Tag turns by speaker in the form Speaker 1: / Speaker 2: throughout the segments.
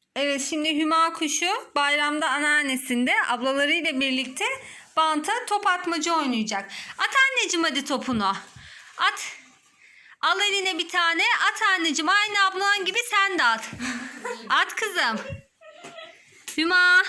Speaker 1: Evet, şimdi Hüma kuşu bayramda anneannesinde ablalarıyla birlikte banta top atmaca oynayacak. At anneciğim hadi topunu. At. Al eline bir tane. At anneciğim. Aynı ablan gibi sen de at. At kızım. Hüma.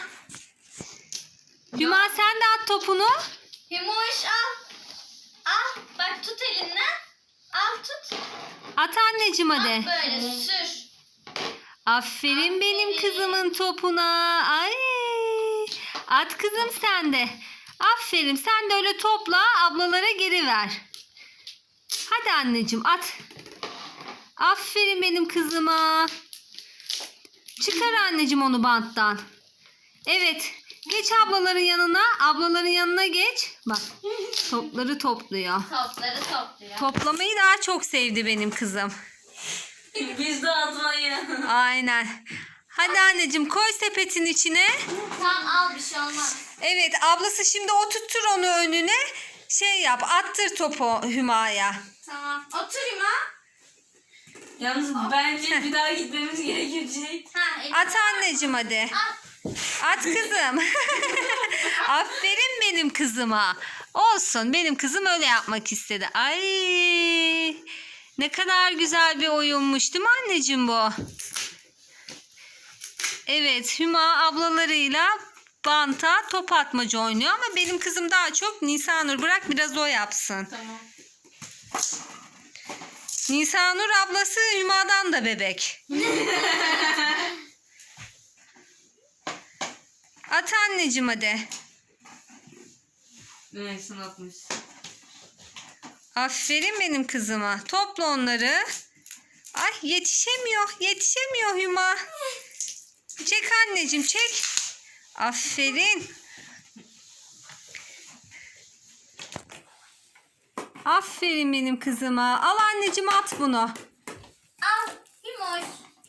Speaker 1: Hüma sen de at topunu.
Speaker 2: Yumuş al. Al. Bak tut elinden. Al tut.
Speaker 1: At anneciğim hadi.
Speaker 2: At böyle sür.
Speaker 1: Aferin benim kızımın topuna. Ay. At kızım sen de. Aferin, sen de öyle topla, ablalara geri ver. Hadi anneciğim at. Aferin benim kızıma. Çıkar anneciğim onu banttan. Evet. Geç ablaların yanına. Ablaların yanına geç. Bak. Topları topluyor.
Speaker 2: Topları topluyor.
Speaker 1: Toplamayı daha çok sevdi benim kızım.
Speaker 3: Biz de atmayı.
Speaker 1: Aynen. Hadi anneciğim koy sepetin içine.
Speaker 2: Tamam al bir şey olmaz.
Speaker 1: Evet, ablası şimdi oturtur onu önüne. Şey yap, attır topu Hüma'ya.
Speaker 2: Tamam. Otur Yuma.
Speaker 3: Yalnız bence bir daha gitmemiz gerekecek.
Speaker 2: Ha,
Speaker 1: At anneciğim hadi.
Speaker 2: Al.
Speaker 1: At kızım. Aferin benim kızıma. Olsun, benim kızım öyle yapmak istedi. Ay, ne kadar güzel bir oyunmuş değil mi anneciğim bu? Evet, Hüma ablalarıyla banta top atmaca oynuyor ama benim kızım daha çok Nisanur, bırak biraz o yapsın.
Speaker 3: Tamam.
Speaker 1: Nisanur ablası Hüma'dan da bebek. At anneciğim hadi.
Speaker 3: Evet, atmış.
Speaker 1: Aferin benim kızıma. Topla onları. Ay yetişemiyor Hüma. Çek anneciğim çek. Aferin. Aferin benim kızıma. Al anneciğim at bunu.
Speaker 2: Al. Yumuş.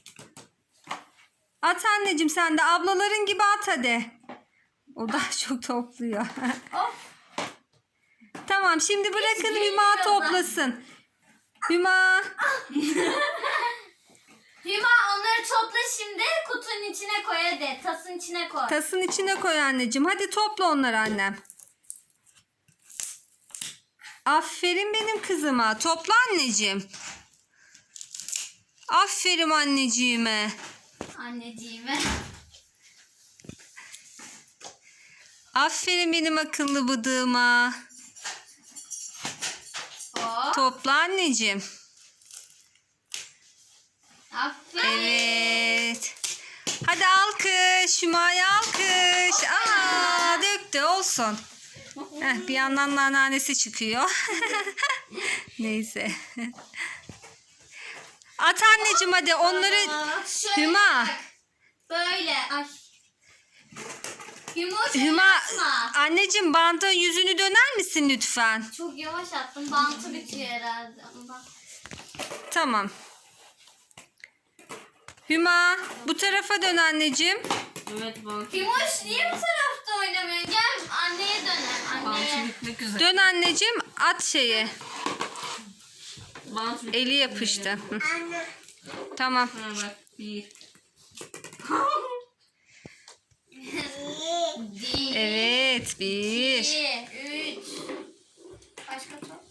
Speaker 1: At anneciğim sen de ablaların gibi at hadi. O daha çok topluyor.
Speaker 2: Of.
Speaker 1: Tamam, şimdi bırakın Hüma
Speaker 2: bilmiyorum
Speaker 1: toplasın. Hüma.
Speaker 2: Hüma onları topla şimdi kutunun içine koy hadi. Tasın içine koy.
Speaker 1: Tasın içine koy anneciğim. Hadi topla onları annem. Aferin benim kızıma. Topla anneciğim. Aferin anneciğime.
Speaker 2: Anneciğime.
Speaker 1: Aferin benim akıllı bıdığıma.
Speaker 2: Hop.
Speaker 1: Topla anneciğim.
Speaker 2: Aferin.
Speaker 1: Evet. Hadi alkış. Hüma'ya alkış. Aa, döktü olsun. Heh, bir yandan da anneannesi çıkıyor. Neyse. At anneciğim hadi onları.
Speaker 2: Şöyle
Speaker 1: Hüma.
Speaker 2: bak. Böyle. Ay. Yumuş
Speaker 1: Hüma
Speaker 2: atma.
Speaker 1: anneciğim bandın yüzünü döner misin lütfen?
Speaker 2: Çok yavaş attım. Bantı bitiyor herhalde. Bak.
Speaker 1: Tamam. Hüma bu tarafa dön anneciğim.
Speaker 3: Evet, bant.
Speaker 2: Yumuş niye bu tarafta oynamıyorsun? Gel anneye dönelim. Anneye.
Speaker 3: Bantı bitmek üzere.
Speaker 1: Dön anneciğim, at şeyi.
Speaker 3: Bant bitmek
Speaker 1: Eli
Speaker 3: üzere.
Speaker 1: yapıştı. Hı. Tamam.
Speaker 3: Ha bak, bir.
Speaker 2: Bir.
Speaker 1: Evet, bir.
Speaker 2: 2, 3. Başka top.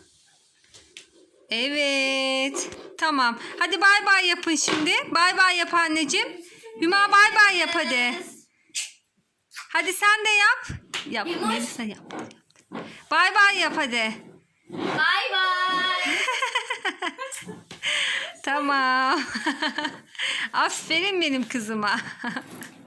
Speaker 1: Evet. Tamam. Hadi bay bay yapın şimdi. Bay bay yap anneciğim. Hüma bay bay yap hadi. Hadi sen de yap. Yap.
Speaker 2: Yumuş.
Speaker 1: Melisa yap. Bay bay yap hadi.
Speaker 2: Bay bay.
Speaker 1: Tamam. Aferin benim kızıma.